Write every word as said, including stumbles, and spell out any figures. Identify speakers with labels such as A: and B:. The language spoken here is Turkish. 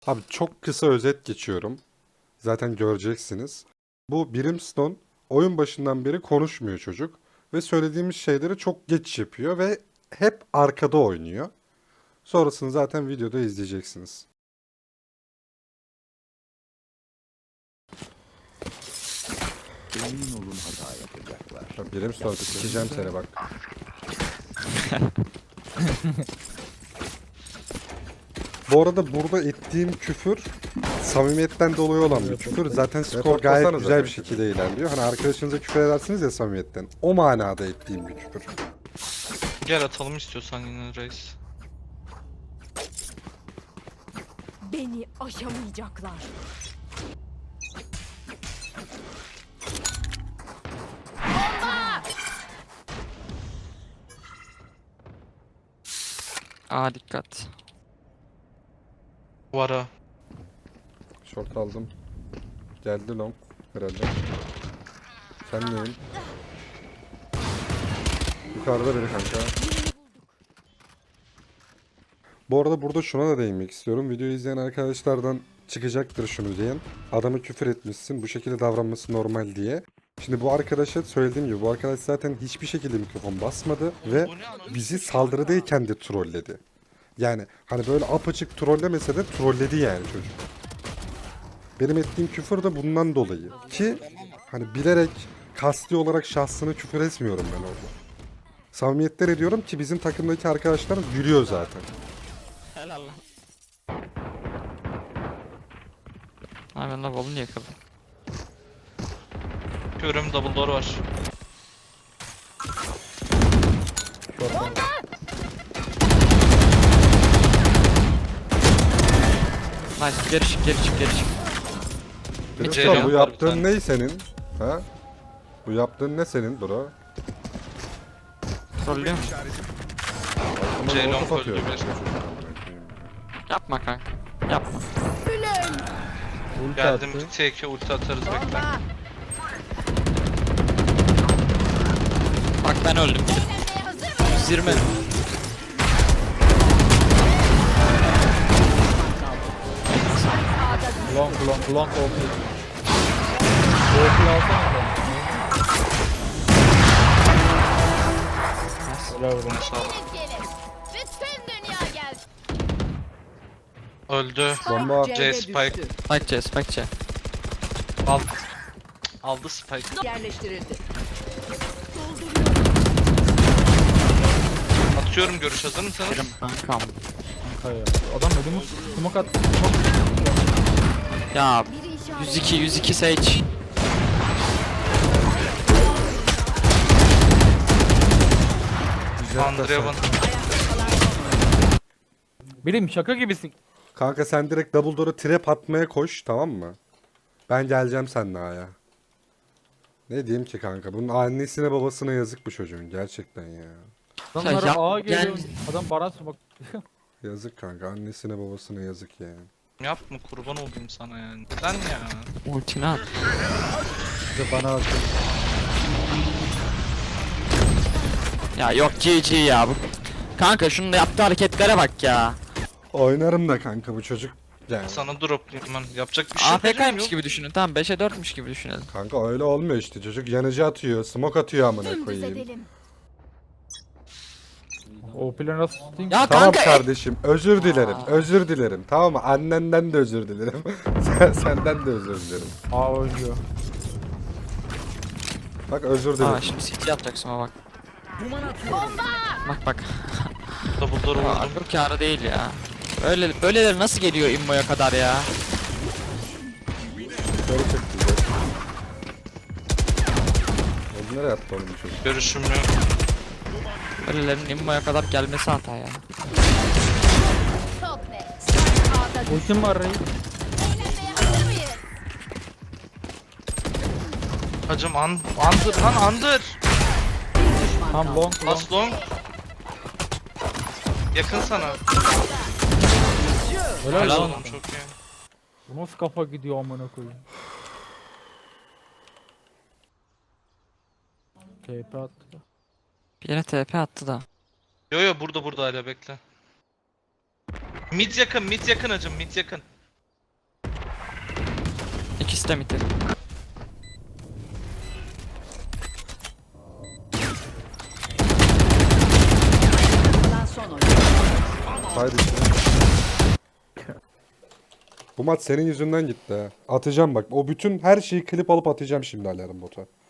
A: Abi çok kısa özet geçiyorum. Zaten göreceksiniz. Bu Brimstone oyun başından beri konuşmuyor çocuk. Ve söylediğimiz şeyleri çok geç yapıyor ve hep arkada oynuyor. Sonrasını zaten videoda izleyeceksiniz.
B: Emin olun hata yapacaklar.
A: Ya Brimstone sikeceğim seni bak. Bu arada burada ettiğim küfür samimiyetten dolayı olan bir küfür. Zaten skor gayet güzel bir şekilde ilerliyor. Hani arkadaşınıza küfür edersiniz ya samimiyetten. O manada ettiğim bir küfür.
C: Gel atalım istiyorsan yine reis.
D: Beni aşamayacaklar.
E: Aa dikkat.
C: Vara.
A: Short aldım. Geldi long herhalde. Sen neyim? Yukarıda biri kanka. Bu arada burada şuna da değinmek istiyorum. Videoyu izleyen arkadaşlardan çıkacaktır şunu diyen. Adamı küfür etmişsin, bu şekilde davranması normal diye. Şimdi bu arkadaşa söylediğim gibi bu arkadaş zaten hiçbir şekilde mikrofon basmadı ve bizi saldırıdayken de trolledi. Yani hani böyle apaçık trollemese de trolledi yani çocuk. Benim ettiğim küfür de bundan dolayı. Ki hani bilerek kasti olarak şahsına küfür etmiyorum ben orada. Samimiyetler ediyorum ki bizim takımdaki arkadaşlar gülüyor zaten.
E: Helal lan. Abi ben de balını yakaladım.
C: Körüm double door var.
E: Nice geri çık geri çık geri çık.
A: Dedim
C: Ceylan
A: sana, bu
C: var bir
A: yaptığın
C: tane.
A: ne senin? Ha? Bu yaptığın ne senin bro?
E: Trollüyor mu?
A: Ama
C: Ceylan
A: orta atıyor.
C: öldü bir.
E: Yapma kanka. Yapma.
C: Geldim T iki ulti atarız bekle.
E: Bak ben öldüm. yüz yirmi.
F: Long long long O P. O P alsana da. Helal olsun.
D: Bütün dünya gelsin.
C: Öldü.
A: Bomba.
C: C spike.
E: Spike C spike C.
C: Al. Aldı spike.
D: Yerleştirildi.
C: Atıyorum görüş hazır mısınız?
E: Kankam.
F: Kanka ya. Adam ödümü smoke attı. Smoke.
E: Ya yüz iki yüz iki Sage.
C: Andrevan.
F: Birim şaka gibisin.
A: Kanka sen direkt double door'a trap atmaya koş, tamam mı? Ben geleceğim seninle A'ya. Ne diyeyim ki kanka? Bunun annesine babasına yazık bu çocuğun gerçekten ya.
F: Adamlar
E: yap-
F: A'ya geliyor.
E: gel.
F: Adam baran smoke.
A: Yazık kanka, annesine babasına yazık yani.
C: Yapma kurban olayım sana yani. Neden ya?
E: Ultini at.
F: İşte bana atıyor.
E: Ya yok G G ya bu. Kanka şunun da yaptığı hareketlere bak ya.
A: Oynarım da kanka bu çocuk yani.
C: Sana droplayayım ben. Yapacak bir şey yok.
E: A F K'ymış gibi düşünün. Tamam beşe dörtmüş gibi düşünelim.
A: Kanka öyle olmuyor işte, çocuk yanıcı atıyor, smoke atıyor amına
D: Dümdüz
A: koyayım.
D: edelim.
F: O planı nasıl tutayım?
E: Ya
A: Tamam
E: kanka
A: kardeşim, özür dilerim, özür dilerim. Tamam mı? Annenden de özür dilerim. Sen, senden de özür dilerim.
F: A oynuyor.
A: Bak özür dilerim.
E: Aa şimdi C T atacaksın ama bak. Bak bak.
C: Double door
E: Aa,
C: vurdum.
E: akıl kârı değil ya. Böyle böyleleri nasıl geliyor immoya kadar ya?
A: Yukarı çekti bize. Oğlum nereye attı oğlum bu çocuk?
C: Görüşüm yok.
E: Böylelerin immoya kadar gelmesi hata ya.
D: Çok net. A'da
F: Ultim var Rey.
D: eğlenmeye hazır mıyız?
C: Hacım an andır lan andır.
F: Tam long long.
C: Last long. Yakın sana.
F: Helal
C: Helal
F: lan.
C: oğlum çok iyi.
F: Bu nasıl kafa gidiyor amına koyayım. T P attı.
E: Bir yere T P attı da.
C: Yo yo burada burada hala bekle. Mid yakın mid yakın hacım mid yakın.
E: İkisi de mid.
B: Kalan son oyun.
A: Haydi şimdi. Bu maç senin yüzünden gitti ha. Atacağım bak. O bütün her şeyi klip alıp atacağım şimdi alarm bota.